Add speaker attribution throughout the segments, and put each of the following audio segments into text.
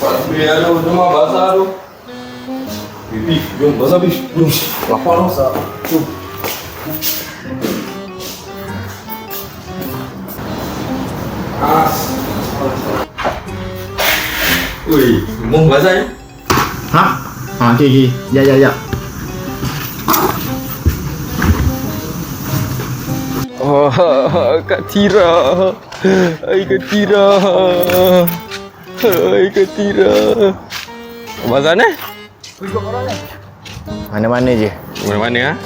Speaker 1: Biar lu cuma basah lu. Pipi, jom basah bis, jom. Lapar lu. Jom. As. Wih, mau basah ya?
Speaker 2: Hah? Okey okey. Ya.
Speaker 1: Oh, Kak Tira. Hai Kak Tira. Hai Kak Tira. Basah ni?
Speaker 2: Mana-mana je.
Speaker 1: Mana-mana ah?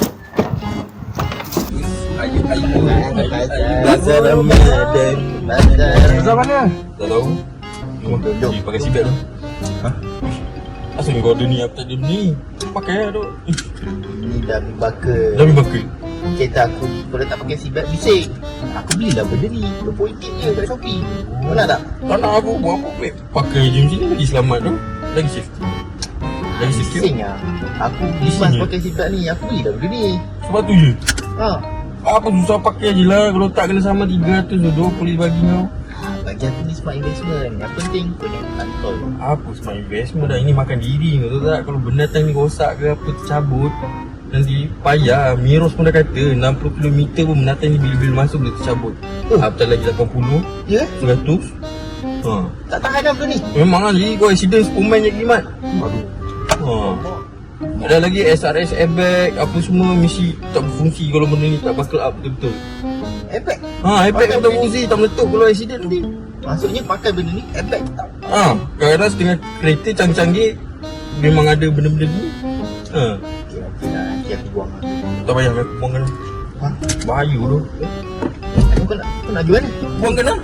Speaker 2: Bazar Ramadan.
Speaker 1: Basah mana? Tak tahu. Jom pakai sibet tu. Hah? Asal kau ada ni apa tadi ni? Pakai tu.
Speaker 2: Ni dah bakar.
Speaker 1: Dah bakar.
Speaker 2: Kereta aku kalau tak pakai seatbelt bising. Aku belilah benda ni RM20 je kat Shopee. Kau nak tak?
Speaker 1: Tak nak aku buat apa baik. Pakai je macam ni lagi selamat tu. Lagi safety. Lagi safety.
Speaker 2: Bising lah. Aku lepas pakai seatbelt ni, aku belilah benda ni.
Speaker 1: Sebab tu je.
Speaker 2: Ha.
Speaker 1: Apa susah pakai je lah. Kalau tak kena sama 300 tu polis bagi kau.
Speaker 2: Bagi aku ni smart investment. Yang penting kau jangan kantoi.
Speaker 1: Apa smart investment dah. Ini makan diri kau tahu tak. Kalau benda tang ni rosak ke apa tercabut, nanti payah. Miros pun dah kata 60 km pun menatang ni bila-bila masuk dia tercabut. Apatah lagi 80,
Speaker 2: Ya?
Speaker 1: 100. Ha.
Speaker 2: Tak tahan dah benda ni.
Speaker 1: Memang lah jadi kau accident Superman je kimat. Aduh. Ha. Ada lagi SRS airbag apa semua mesti tak berfungsi kalau benda ni tak buckle up betul-betul.
Speaker 2: Airbag?
Speaker 1: Ha, airbag pun tak berfungsi, tak meletup kalau accident nanti.
Speaker 2: Maksudnya pakai benda ni, airbag tak.
Speaker 1: Ha, kadang-kadang setengah kereta canggih-canggih memang ada benda-benda ni. Ha.
Speaker 2: Okey lah. Nanti aku buang lah.
Speaker 1: Tak payah aku buangkan.
Speaker 2: Ha?
Speaker 1: Bahaya tu.
Speaker 2: Kau nak jual ni?
Speaker 1: Buangkan lah.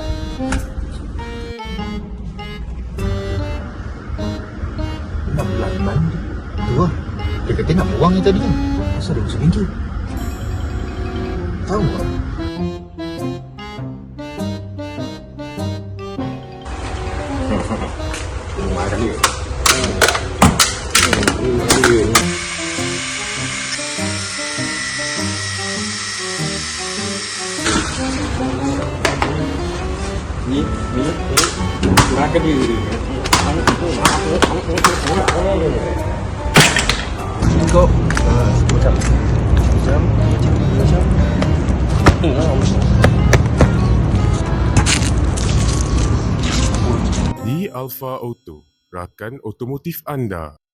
Speaker 2: Nak bulan mana tu? Tu lah. Dia kata nak buang ni tadi kan. Asal dia masuk ringgit? Tahu tak?
Speaker 1: Marah dia. Ni makan dia. Kau macam
Speaker 3: Di Alfa Auto, rakan otomotif anda.